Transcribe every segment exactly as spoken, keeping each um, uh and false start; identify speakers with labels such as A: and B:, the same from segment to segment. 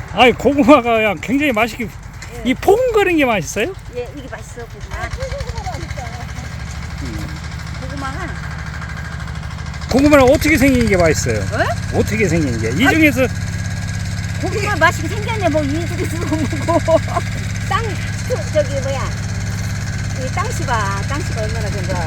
A: 아니 고구마가 그냥 굉장히 맛있게
B: 예.
A: 이 포근거린 게 맛있어요?
B: 예, 이게 맛있어 고구마. 고구마가
A: 고구마는 어떻게 생긴 게 맛있어요?
B: 어?
A: 어떻게 생긴 게? 이 중에서
B: 고구마 맛있게 생겼네. 뭐 이 중에서 뭐고 땅 수- 저기 뭐야 이 땅씨가 땅씨가 얼마나 된 거야.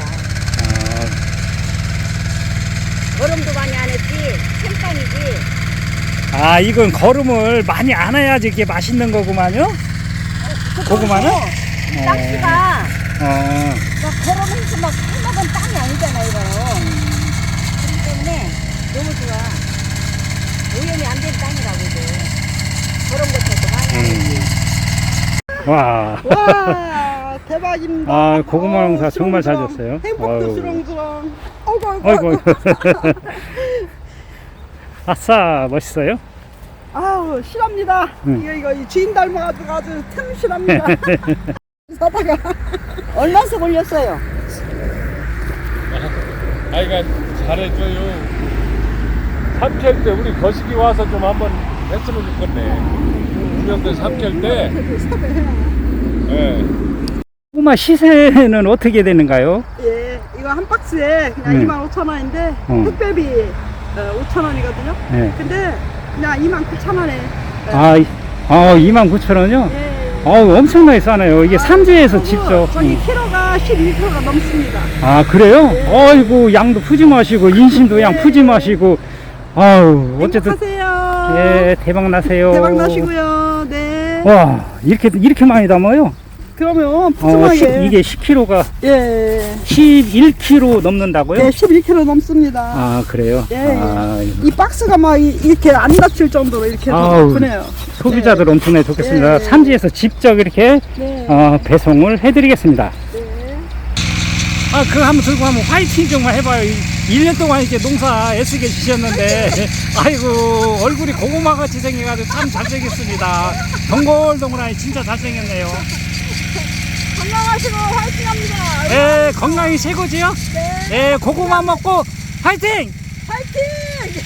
B: 거름도 많이 안 했지. 생땅이지.
A: 아, 아 이건 거름을 많이 안 해야지 이게 맛있는 거구만요? 고구마는?
B: 이 땅씨가
A: 어.
B: 막 거름해서 막 해먹은 땅이 아니잖아 이거. 그렇기 때문에 너무 좋아. 오염이 안 된 땅이라고 이거. 거름 같은 것도 많이 안 했지.
A: 와.
C: 와 대박입니다.
A: 아, 고구마 농사
C: 아우,
A: 정말 잘
C: 수렁수렁.
A: 됐어요.
C: 행복도
A: 아유.
C: 수렁수렁. 아이고 아이고.
A: 아이고.
C: 아이고.
A: 아싸, 멋있어요?
C: 아우 실합니다.
A: 응.
C: 이거 이거 이 주인 닮아가지고 아주 틈실합니다. 사다가
B: 얼마씩 올렸어요?
D: 아이가 잘해줘요. 삼킬 때 우리 거시기 와서 좀 한번 했으면 좋겠네. 우리한테 삼킬 때. 예.
A: 고구마 시세는 어떻게 되는가요?
C: 예 이거 한 박스에 그냥
A: 네.
C: 이만 오천 원인데
A: 어.
C: 택배비 어, 오천 원이거든요.
A: 네.
C: 근데 그냥 이만 구천 원에.
A: 아, 이- 아 이만 구천 원이요?
C: 예.
A: 아우 엄청나게 싸네요. 이게 산지에서
C: 그리고
A: 직접.
C: 저기
A: 음.
C: 키로가 십일 킬로가 넘습니다.
A: 아 그래요?
C: 네.
A: 아이고 양도 푸짐하시고 인심도 양
C: 네.
A: 푸짐하시고 아우 어쨌든
C: 행복하세요.
A: 예 대박 나세요.
C: 대박 나시고요. 네.
A: 와 이렇게 이렇게 많이 담아요?
C: 그러면
A: 어,
C: 푸짐하게.
A: 십- 이게 십 킬로그램가
C: 예.
A: 십일 킬로그램 넘는다고요?
C: 네, 십일 킬로그램 넘습니다.
A: 아 그래요?
C: 예,
A: 아,
C: 이 박스가 막 이- 이렇게 안 닫힐 정도로 이렇게
A: 아우,
C: 높으네요.
A: 소비자들 엄청나게 좋겠습니다.
C: 예.
A: 산지에서 직접 이렇게
C: 네.
A: 어, 배송을 해드리겠습니다.
C: 네.
A: 아, 그거 한번 들고 한번 화이팅 정말 해봐요. 일 년 동안 이렇게 농사 애쓰게 주셨는데, 아이고, 얼굴이 고구마 같이 생겨가지고 참 잘생겼습니다. 동글동글하니 진짜 잘생겼네요.
C: 건강하시고 화이팅 합니다.
A: 예, 건강이 최고지요?
C: 네.
A: 예, 고구마 먹고 화이팅!
C: 화이팅!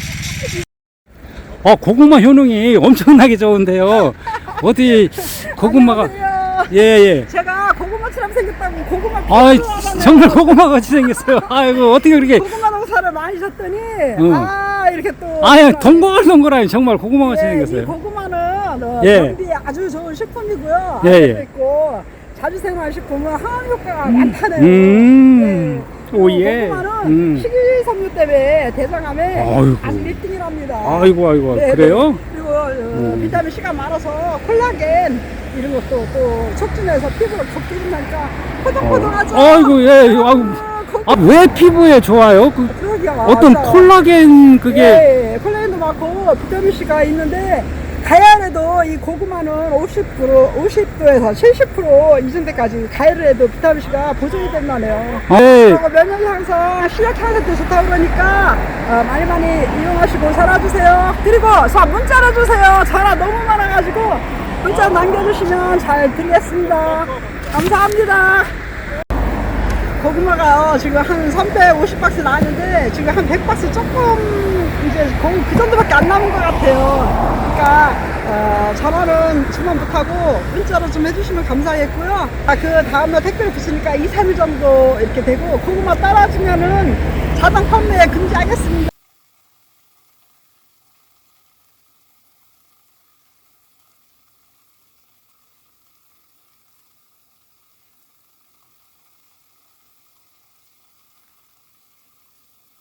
A: 어, 고구마 효능이 엄청나게 좋은데요. 어디 고구마가,
C: 안녕하세요.
A: 예, 예.
C: 제가 고구마처럼 생겼다고 고구마
A: 아,
C: 필요하다는
A: 정말 고구마 같이 생겼어요. 아이고, 어떻게 그렇게.
C: 고구마 농사를 많이 셨더니
A: 응.
C: 아 이렇게 또
A: 아예 동글동글하니 정말 고구마 같이
C: 예, 이
A: 생겼어요.
C: 고구마는 어,
A: 예.
C: 경비에 아주 좋은 식품이고요.
A: 예,
C: 알도
A: 예.
C: 있고 자주 생활식품은 항암 효과가 많다네요.
A: 음,
C: 예.
A: 오예.
C: 고구마는
A: 음.
C: 식이섬유 때문에 대장암에
A: 아이고.
C: 아주 일 등이랍니다.
A: 아이고, 아이고,
C: 네,
A: 그래요?
C: 그리고 어,
A: 음.
C: 비타민 C가 많아서 콜라겐 이런 것도 또 촉진해서 피부를 걷기는다니까 포동포동하죠.
A: 어, 아이고, 예, 아이고.
C: 아, 거-
A: 아, 왜 피부에 좋아요? 그
C: 그러기가
A: 어떤
C: 맞아요.
A: 콜라겐 그게.
C: 예, 예, 콜라겐도 많고 비타민 C가 있는데 가열에도 이 고구마는 오십 퍼센트, 오십 도에서 칠십 퍼센트 이전 때까지 가열을 해도 비타민 C가 보존이 된다네요.
A: 아, 예.
C: 그리고 면역 향상, 시력 향상도 좋다고 그러니까 어, 많이 많이 이용하시고 살아주세요. 그리고 자 문자로 주세요. 전화 너무 많아가지고 문자 남겨주시면 잘 드리겠습니다. 감사합니다. 고구마가 지금 한 삼백오십 박스 나왔는데 지금 한 백 박스 조금 이제 거의 그 정도밖에 안 남은 것 같아요. 그러니까 어, 전화는 주문 못하고 문자로 좀 해주시면 감사하겠고요. 아, 그 다음날 택배를 붙으니까 이, 삼 일 정도 이렇게 되고 고구마 따라주면은 자동 판매 금지하겠습니다.